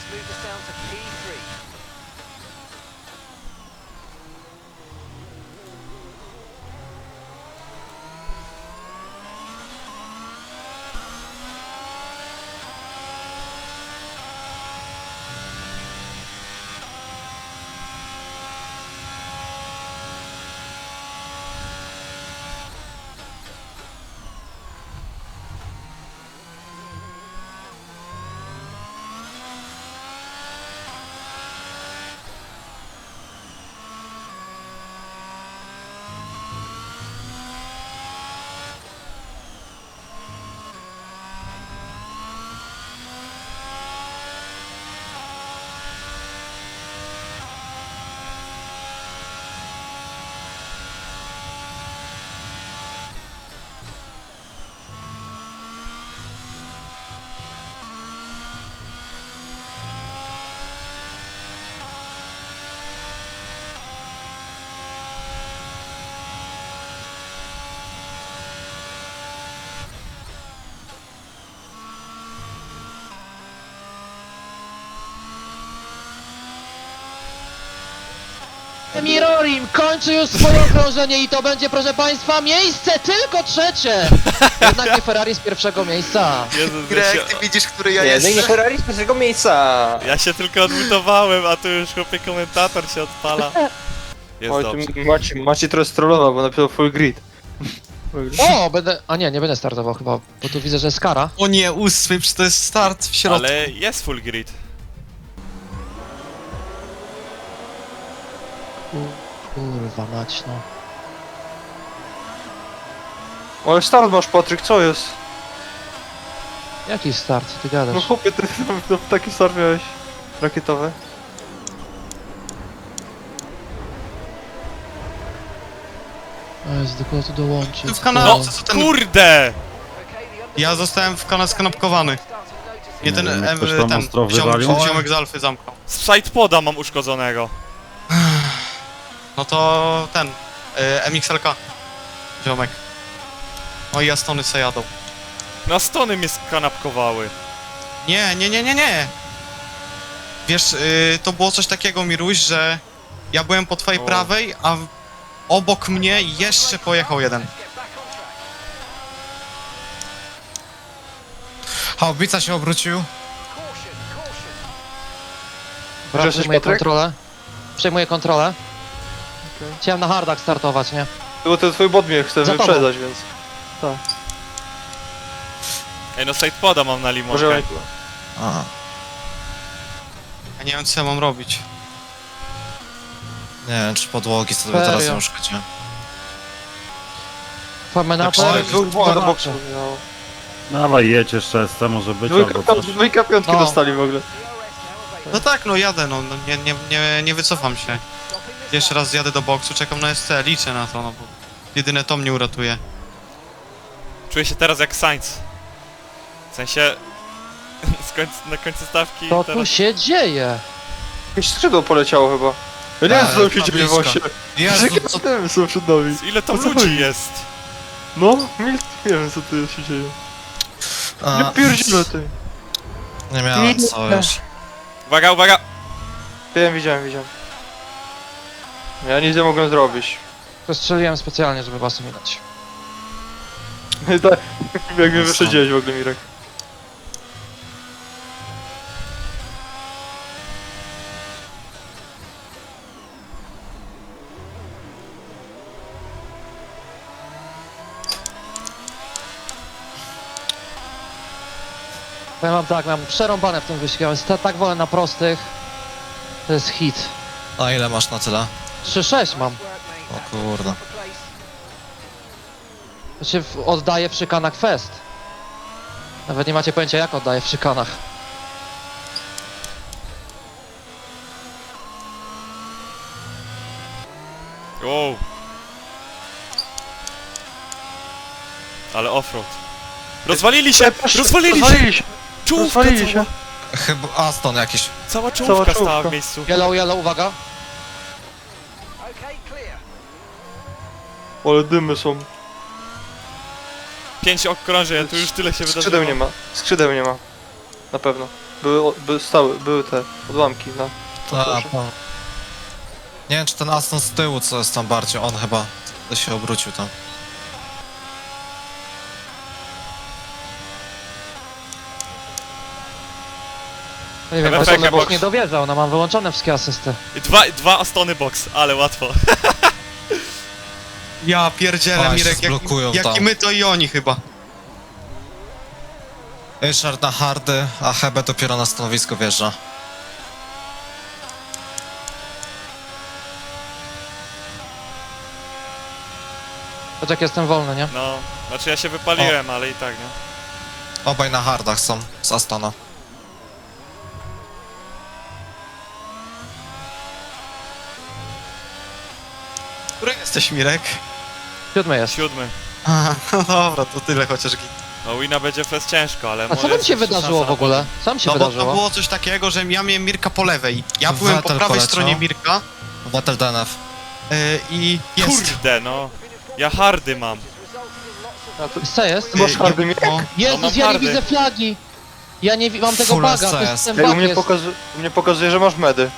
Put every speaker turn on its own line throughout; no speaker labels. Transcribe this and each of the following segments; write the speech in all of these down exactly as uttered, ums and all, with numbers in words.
moved us down to P three.
Mirorim kończy już swoje okrążenie i to będzie, proszę państwa, miejsce tylko trzecie! Jednak nie Ferrari z pierwszego miejsca.
Jezus, ja
Greg,
się,
ty widzisz, który ja
Nie, no i
jestem?
Ferrari z pierwszego miejsca!
ja się tylko odmutowałem, a tu już chłopie komentator się odpala. Jest
Oj,
dobrze.
tu Macie, Macie trochę strollował, bo napisał full grid.
O, będę... A nie, nie będę startował chyba, bo tu widzę, że jest kara.
O nie, ósmy, przecież to jest start w środku.
Ale jest full grid.
Kurwa mać, no.
Ale start masz, Patryk, co jest?
Jaki start, ty
No
gadasz?
chłopie, ty no, taki start miałeś. Rakietowy.
O Jezu, do kogo tu dołączyć?
Ty w kanale,
No,
co ten...
kurde!
Ja zostałem w kanale skanapkowany. Nie ten,
Nie wiem,
em,
ktoś tam
ten,
ostro
ziom,
wywalił?
ziomek z Alfy zamknął.
Z sidepoda mam uszkodzonego.
No to ten, y, M X L K. Ziomek. No i Astony se jadą.
Na stony mnie skanapkowały.
Nie, nie, nie, nie, nie! Wiesz, y, to było coś takiego, Miruś, że ja byłem po twojej
O.
prawej, a w- obok mnie jeszcze pojechał jeden. Haubica się obrócił.
Brat,
Jesteś,
przejmuję
Patryk?
kontrolę. Przejmuję kontrolę.
Okej.
Chciałem na hardach startować, nie?
Bo ten twój bot mnie chce
Za tobą.
wyprzedzać, więc...
Ej, no sidepoda mam na
Może...
limonkę.
Aha. Ja nie wiem, co ja mam robić.
Nie wiem, czy podłogi sobie
Serio?
teraz nie uszkodziłem.
Famenator.
Tak,
Dwóch dwóch do boksu. No.
Dawaj, jedź jeszcze S C, może być
Dwójka,
albo
piąt,
coś.
dwójka piątki
No.
dostali w ogóle.
No tak, no jadę, no, no nie, nie, nie, nie wycofam się. Jeszcze raz zjadę do boksu, czekam na S C, liczę na to, no bo jedyne to mnie uratuje.
Czuję się teraz jak Sainz. W sensie... z końca, na końcu stawki
Co tu
teraz...
się dzieje?
Jakieś skrzydło poleciało chyba. Ja nie wiem,
Eee,
co tam się
to
dzieje
blisko.
właśnie.
Jezu,
Jakie
co...
systemy są przed nami?
Ile tam
O co
ludzi
chodzi?
jest?
No, nie, nie wiem, co tu się dzieje. Nie
A,
pierdzielę ty.
nie miałem co już.
Uwaga, uwaga!
Wiem, widziałem, widziałem. Ja nic nie mogłem zrobić.
To strzeliłem specjalnie, żeby was ominąć.
Tak, jak mnie wyprzedziłeś w ogóle, Mirek.
Ja mam tak, mam przerąbane w tym wyścigu, jest tak wolę na prostych. To jest hit.
A ile masz na tyle?
trzy sześć mam.
O kurde.
To się w- oddaje w szykanach fest. Nawet nie macie pojęcia, jak oddaje w szykanach.
Wow. Ale offroad. Rozwalili się! Rozwalili się!
Rozwalili się!
Czołówka
Rozwalili
cała!
się!
Chyba Aston jakiś.
Cała czołówka
Cała
stała
czołówka.
w miejscu.
Yellow, yellow, uwaga.
Ale dymy są.
Pięć okrążeń, tu już tyle się wydarzyło.
Skrzydeł nie ma. Skrzydeł nie ma. Na pewno. Były, były stały, były te odłamki, no.
Ta,
proszę.
pa. Nie wiem, czy ten Aston z tyłu, co jest tam bardziej, on chyba się obrócił tam.
Nie wiem,
F F K
Astony Box
box.
nie dowierzał, no mam wyłączone wszystkie asysty.
I dwa, dwa Astony box, ale łatwo.
Ja pierdzielę,
A, się
Mirek, jak,
zblokują
jak i
tam.
my, to i oni chyba.
Ryszard na hardy, a Hebe dopiero na stanowisko wjeżdża.
Patrz jak jestem wolny, nie?
No, znaczy ja się wypaliłem, ale i tak, nie?
Obaj na hardach są, z Astona.
Który jesteś, Mirek?
Siódmy jest.
Siódmy.
A, no dobra, to tyle chociaż git.
No wina będzie fest ciężko, ale
A co
może
tam
jest
się
jeszcze
wydarzyło
szansa
w ogóle?
na
Co tam się
No bo to
wydarzyło?
było coś takiego, że ja miałem Mirka po lewej. Ja byłem po
Vettel
prawej
poleciał.
stronie Mirka
Wattel D N F.
yy, i
podium.
jest.
Kurde, no. Ja hardy mam.
A to,
Co jest?
Ty masz
Yy,
hardy,
i-
Mirek?
no,
Jezus,
mam
ja nie
hardy.
widzę flagi! Ja nie wi- mam tego
Full
baga, to
S C
jest ten
Ej, u
bug
mnie,
jest.
pokazu, u mnie pokazuje, że masz medy.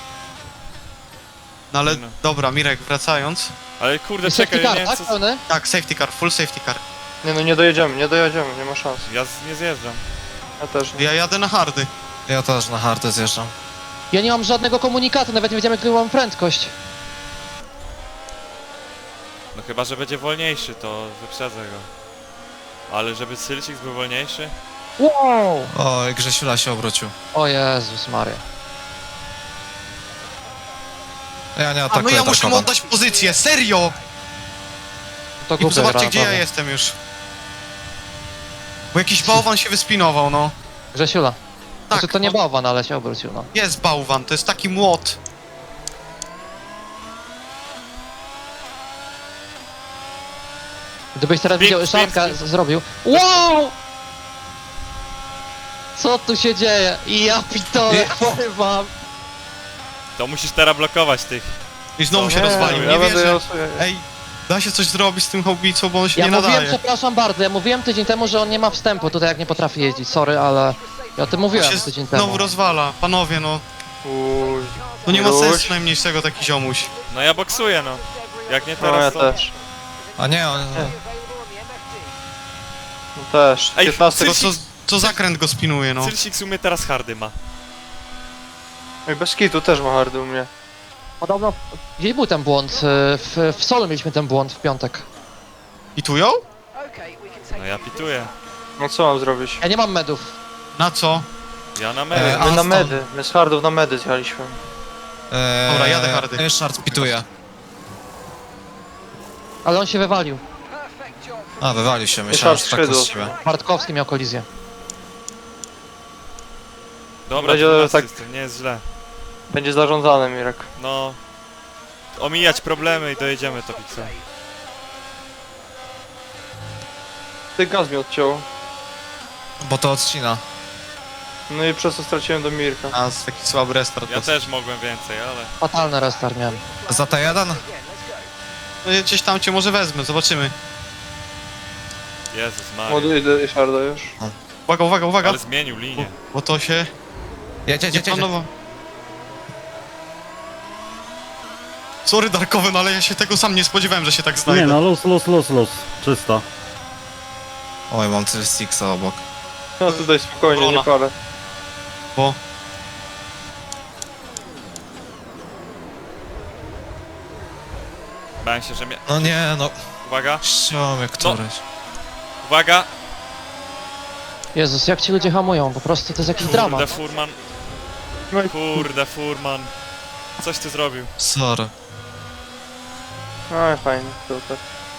No ale
No.
dobra, Mirek, wracając.
Ale kurde,
I safety
czekaj, ja
car,
nie wiem
tak?
co...
Pełny?
Tak, safety car, full safety car.
Nie no, nie dojedziemy, nie dojedziemy, nie ma szans.
Ja z- nie zjeżdżam.
Ja też nie.
Ja jadę na hardy.
Ja też na hardy zjeżdżam.
Ja nie mam żadnego komunikatu, nawet nie wiedziałem jaką mam prędkość.
No chyba, że będzie wolniejszy, to wyprzedzę go. Ale żeby Sylcik był wolniejszy?
Wow!
Oj, Grzesiula się obrócił.
O Jezus Maria.
Ja nie
A no
atakuję
ja muszę mu
Darkowa.
oddać pozycję, serio!
To
I
głupie
zobaczcie,
gra,
gdzie ja
naprawdę.
jestem już. Bo jakiś bałwan się wyspinował, no.
Grzesiula.
Tak,
Znaczy to nie
no,
bałwan, ale się obrócił, no.
jest bałwan, to jest taki młot.
Gdybyś teraz
Spin-
widział,
spin-
Szarka
spin.
z- zrobił. Wow! Co tu się dzieje? I ja pitole, wam.
To musisz teraz blokować tych.
I znowu
No
się
nie,
rozwalił,
ja
nie
będę
wierzę.
losuję.
Ej, da się coś zrobić z tym haubicą, bo on się
Ja
nie
mówiłem,
nadaje.
przepraszam bardzo, ja mówiłem tydzień temu, że on nie ma wstępu tutaj jak nie potrafi jeździć, sorry, ale ja o tym
On
mówiłem
się
tydzień
znowu
temu.
rozwala, panowie, no.
Uj.
To nie ma
Ruś.
sensu najmniejszego taki ziomuś.
No ja boksuję, no. Jak nie
No ja
teraz, to...
też.
A nie, on...
No też.
Ej,
piętnaście
To co, co zakręt go spinuje, no.
Sylcik w sumie teraz hardy ma.
Ej, bez kitu też ma hardy u mnie.
Podobno, gdzie był ten błąd? W, w solu mieliśmy ten błąd w piątek.
I tu ją?
No ja pituję.
No co mam zrobić?
Ja nie mam medów.
Na co?
Ja na
E,
medy.
My na
Aston.
medy, my z hardów na medy zjechaliśmy.
Eee,
Dobra, jadę hardy.
Ryszard pituje.
Ale on się wywalił.
A, wywalił się, myślałem, że tak
skrzydło.
z siebie.
Bartkowski miał kolizję.
Dobra,
Będzie
dwunasty
tak-
jestem, nie jest źle.
Będzie zarządzany, Mirek.
No... Omijać problemy i dojedziemy to Pixel.
Ty gaz mi odciął.
Bo to odcina.
No i przez to straciłem do Mirka.
A, z taki słaby restart.
Ja też mogłem więcej, ale...
Fatalny restart miałem.
Za T jeden?
No, gdzieś tam cię może wezmę, zobaczymy.
Jezus Maria.
Ładuję do Ryszarda już.
Uwaga, uwaga, uwaga.
Ale zmienił linię.
Bo to się
Jedzie,
nie
jedzie, jedzie.
planowało. Sorry Darkoven, ale ja się tego sam nie spodziewałem, że się tak znajdę.
Nie no, luz, luz, luz, luz. Czysto.
Oj, mam tyle Sixa obok.
No tutaj spokojnie, nie
Obrona.
palę.
Bo
Bałem się, że mnie...
No nie, no.
Uwaga,
Ściąłem któryś.
uwaga!
Jezus, jak ci ludzie hamują, po prostu to jest jakiś
Kurde,
dramat.
Furman.
No i
Kurde, Furman. Coś ty zrobił.
Sorry.
no i fajnie, super.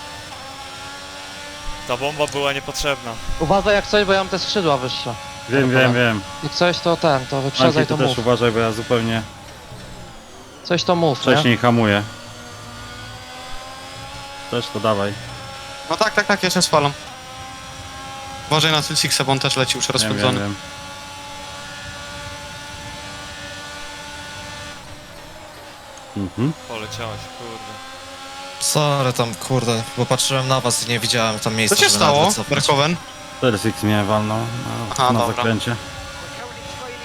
Ta bomba była niepotrzebna.
Uważaj jak coś, bo ja mam te skrzydła wyższe.
Wiem,
Dobra.
wiem, wiem.
Jak coś to ten, to wyprzedzaj,
Anki,
to
ty też
mów.
uważaj, bo ja zupełnie
Coś to mów, nie?
wcześniej hamuję. Też to dawaj.
no tak, tak, tak, ja się spalam. Uważaj na Sylsixa, bo on też leci już
Wiem, wiem,
rozpędzony.
wiem. Mhm.
Poleciałeś, kurde.
Sorry tam, kurde, bo patrzyłem na was i nie widziałem tam
Co
miejsca,
się
żeby nawet
stało,
wycofać.
Darkoven?
cztery six mnie walnął na,
Aha,
na
dobra.
zakręcie.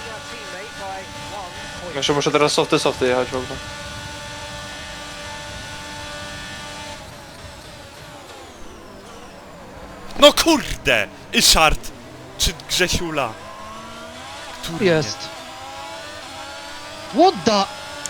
Jeszcze muszę teraz softy, softy jechać w ogóle.
No kurde! Ryszard! Czy Grzesiula? Który
Jest. What the...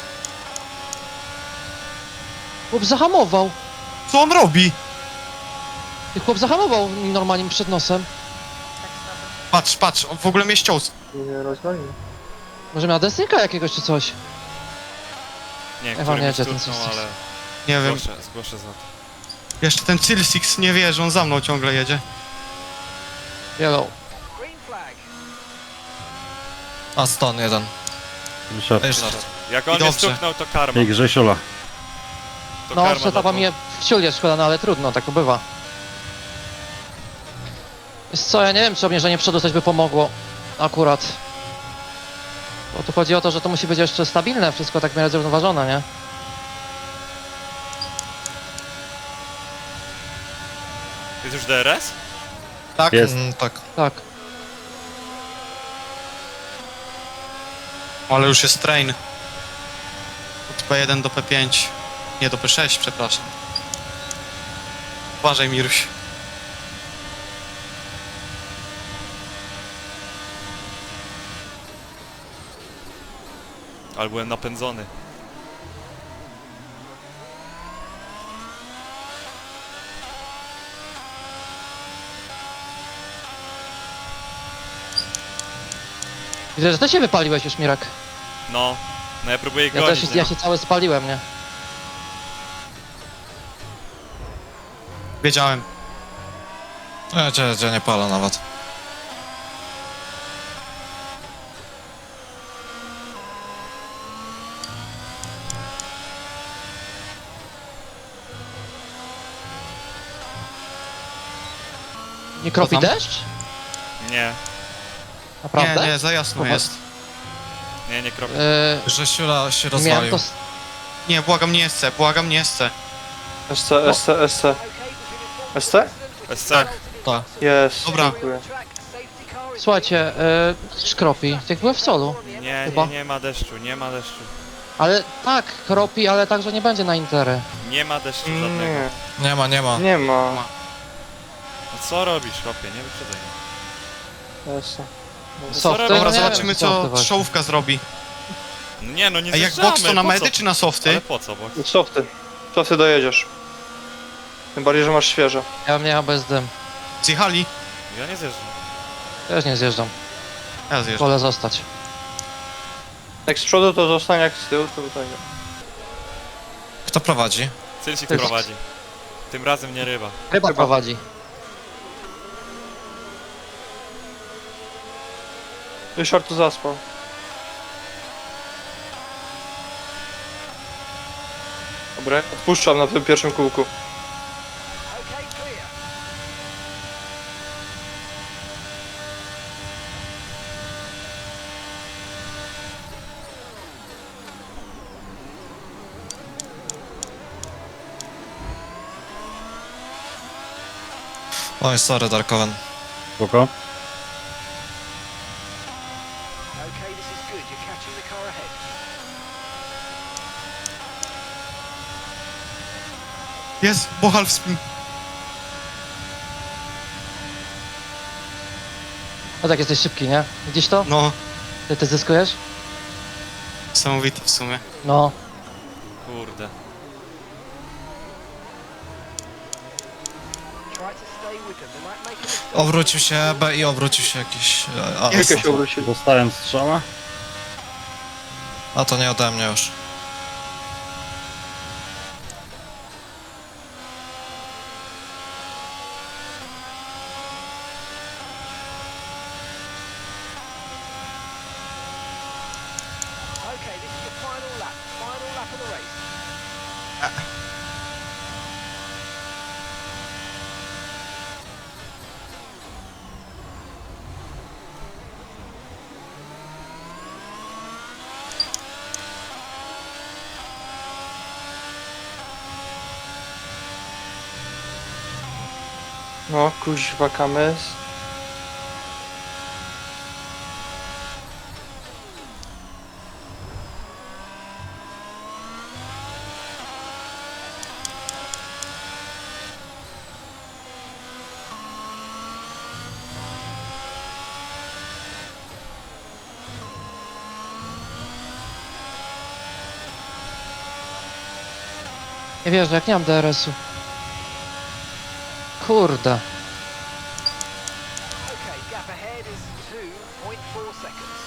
Chłop zahamował.
Co on robi?
I chłop zahamował normalnie mi przed nosem.
Patrz, patrz, on w ogóle mnie ściął.
Nie rozwalimy.
Może miał desynka jakiegoś czy coś?
Nie,
Ewa,
który
nie,
mi
jedzie ten
stuknął,
Six.
ale
Nie wiem.
zgłoszę, zgłoszę za to.
Jeszcze ten Cylsix nie wie, że on za mną ciągle jedzie.
Yellow.
Aston jeden.
Ryszard.
Ryszard.
Jak on mnie
dobrze.
stuknął, to karma.
I Grzesiula.
To
No,
karma
przetapa
za to.
mnie w ciulie szkoda, no ale trudno, tak to bywa. Wiesz co, ja nie wiem, czy obniżenie przodu coś by pomogło. Akurat. Bo tu chodzi o to, że to musi być jeszcze stabilne, wszystko tak w miarę zrównoważone, nie?
Jest już D R S?
Tak?
Jest.
Mm, tak.
Tak.
Ale już jest train. Od P jeden do P pięć. Nie, do P sześć, przepraszam. Uważaj, Miruś.
Ale byłem napędzony.
Widzę, że ty się wypaliłeś już, Mirak.
No. No ja próbuję
Ja
gonić,
też,
nie?
ja się cały spaliłem, nie?
Wiedziałem.
Ja cię, cię nie palę nawet.
Nie kropi
Co tam?
deszcz?
Nie,
Naprawdę?
Nie, nie, za jasno
Popatrz.
jest.
nie, nie kropię.
Yy,
Grzesiula się
miałem
rozwalił.
to... s-
Nie, błagam, nie SC, błagam, nie SC.
S C, S C, S C. S C?
S C?
Tak.
Jest,
Dobra.
dziękuję.
Słuchajcie, yy, szkropi, jak byłem w solu.
Nie,
Chyba.
nie, nie ma deszczu, nie ma deszczu.
Ale tak, kropi, ale także nie będzie na intery.
Nie ma deszczu żadnego.
Nie,
Nie ma, nie ma.
nie ma.
No co robisz, chłopie? Nie wyprzedzaj mnie.
S C.
co
Softy?
robisz?
No
Dobra,
nie
zobaczymy
wiem,
co
softy właśnie.
czołówka zrobi.
No nie, no nie
A jak
zjeżdżamy,
box to na
po
medy
co?
czy na softy?
Ale po co, bo...
Softy. Softy dojedziesz. Tym bardziej, że masz świeże.
Ja bym jechał bez dym.
Zjechali?
Ja nie zjeżdżam.
Też nie zjeżdżam,
Ja zjeżdżam.
wolę zostać.
Jak z przodu to zostanie, jak z tyłu to tutaj nie.
Kto prowadzi?
Cylsik
Ty-
prowadzi. Tym razem nie ryba.
Ryba
Chyba.
prowadzi.
Ryszard tu zaspał. Dobra, odpuszczam na tym pierwszym kółku.
Oj, sorry, Darkoven.
Spoko.
Okay, this is good. You're catching the car ahead.
Jest, Bochal w spin.
No tak, jesteś szybki, nie? Widzisz to?
No,
Ty, ty zyskujesz?
niesamowity w sumie.
No.
Kurde.
Try to stay with them. They might make a mistake.
Obrócił się B i obrócił się jakiś... A,
Jest.
Kilka się obrócili.
Dostałem strzała.
a to nie ode mnie już.
Okay, this is the final lap. Final lap of the race.
No, kuźwa kamys.
Nie wierzę, jak nie mam D R S-u. Kurde.
Okay, gap ahead is two point four seconds.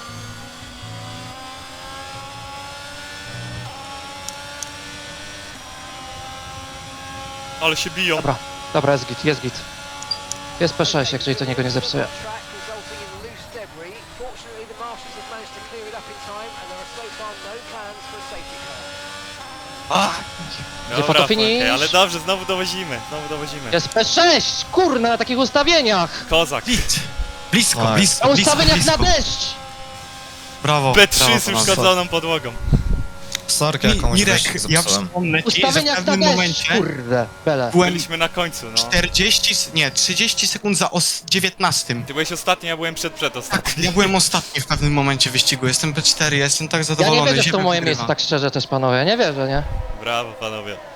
Ale się biją.
Dobra, dobra, jest git, jest git. Jest P sześć, jak jeżeli to niego nie zepsuje.
Track resulting in loose debris. Fortunately, the marshals have managed to clear it up in time, and there are so far no plans for a safety car.
Gdzie
Dobra,
fotofinish?
okej, ale dobrze, znowu dowozimy, znowu dowozimy.
Jest P sześć! Kurna, na takich ustawieniach!
Kozak.
Blisko, blisko,
Nice.
blisko,
Na
blisko,
ustawieniach na
blisko.
deszcz!
Brawo,
P trzy
brawo,
z
brawo.
uszkodzoną podłogą.
Sorki,
Mi-
jakąś
Mirek,
wyścig
ja
zepsułem.
wspomnę ci, że w
Ustawieniach na
pewnym
deszcz,
momencie
kurde, bele.
byłem
Byliśmy na końcu, no.
czterdzieści, s- nie, trzydzieści sekund za os dziewiętnastym.
Ty byłeś ostatni, ja byłem przed przed
Tak,
ostatni.
ja byłem ostatni w pewnym momencie wyścigu, jestem P cztery, ja jestem tak
Ja
zadowolony.
nie wierzę w to
Ziemia
moje
wygrywa.
miejsce, tak szczerze też panowie, nie wierzę, nie?
Brawo, panowie.